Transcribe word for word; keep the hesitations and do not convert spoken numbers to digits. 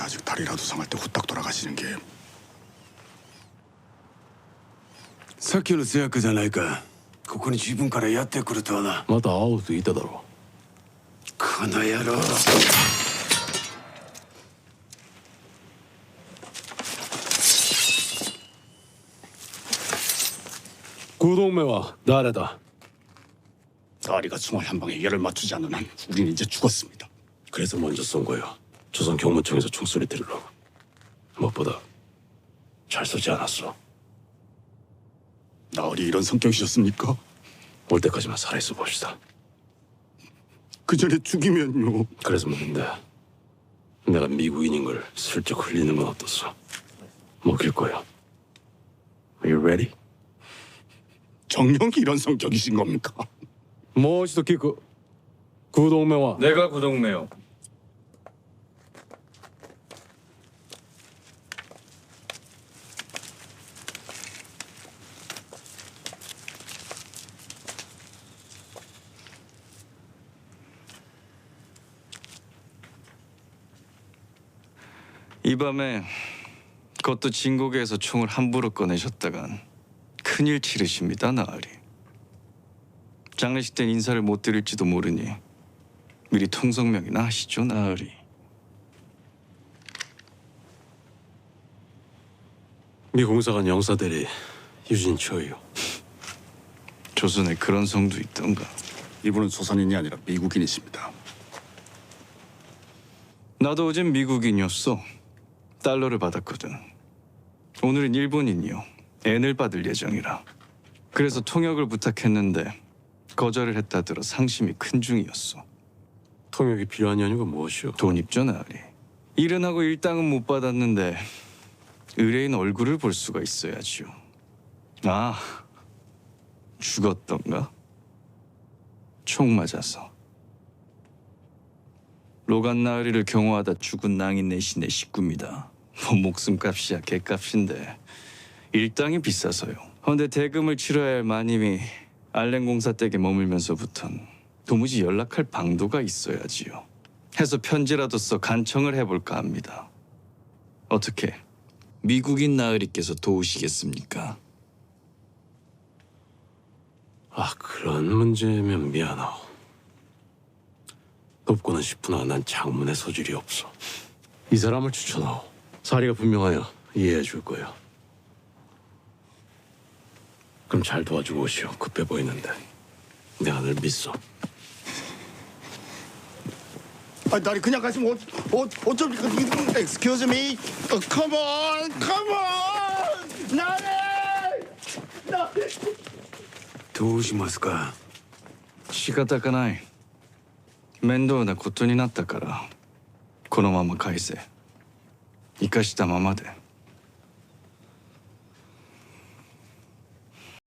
아직 다리라도 상할 때 후딱 돌아가시는 게. さっきの通訳じゃないか。ここに自分からやってくるとはな。 また会おうと言っただろこの野郎。 구동매와誰だ? 다리가 총알 한 방에 얘를 맞추지 않는 한 우린 이제 죽었습니다. 그래서 먼저 쏜 거야. 조선 경무청에서 총소리 들으라고. 무엇보다 잘 쏘지 않았어. 나으리 이런 성격이셨습니까? 올 때까지만 살아있어 봅시다. 그 전에 죽이면요. 그래서 묻는데 내가 미국인인 걸 슬쩍 흘리는 건 어떻소? 먹힐 거야. Are you ready? 정령이 이런 성격이신 겁니까? もう一度聞く. 구동매와 내가 구동매요. 이 밤에 그것도 진곡에서 총을 함부로 꺼내셨다간 큰일 치르십니다, 나으리. 장례식 땐 인사를 못 드릴지도 모르니 미리 통성명이나 하시죠, 나으리. 미 공사관 영사대리 유진초요. 조선에 그런 성도 있던가. 이분은 조선인이 아니라 미국인이십니다. 나도 어젠 미국인이었어. 달러를 받았거든. 오늘은 일본인이요. 엔을 받을 예정이라. 그래서 통역을 부탁했는데 거절을 했다 들어 상심이 큰 중이었어. 통역이 필요한 이유가 무엇이오? 돈 입죠, 나으리. 일은 하고 일당은 못 받았는데 의뢰인 얼굴을 볼 수가 있어야지요. 아, 죽었던가? 총 맞아서. 로간 나으리를 경호하다 죽은 낭인 내신의 식구입니다. 뭐 목숨값이야 개값인데 일당이 비싸서요. 그런데 대금을 치러야 할 마님이 알렌 공사 댁에 머물면서부턴 도무지 연락할 방도가 있어야지요. 해서 편지라도 써 간청을 해볼까 합니다. 어떻게 미국인 나으리께서 도우시겠습니까? 아, 그런 문제면 미안하오. 돕고는 싶으나 난 장문의 소질이 없어. 이 사람을 추천하오. 사리가 분명하여 이해해 줄 거야. 그럼 잘 도와주고 오시오. 급해 보이는데 내가 늘 믿어. 아, 나리 그냥 가시면 어, 어, 어쩝니까? Excuse me. 어, come on, come on. 나리, 나리. どうしますか。 仕方がない。面倒なことになったからこのまま返せ。生かしたままで。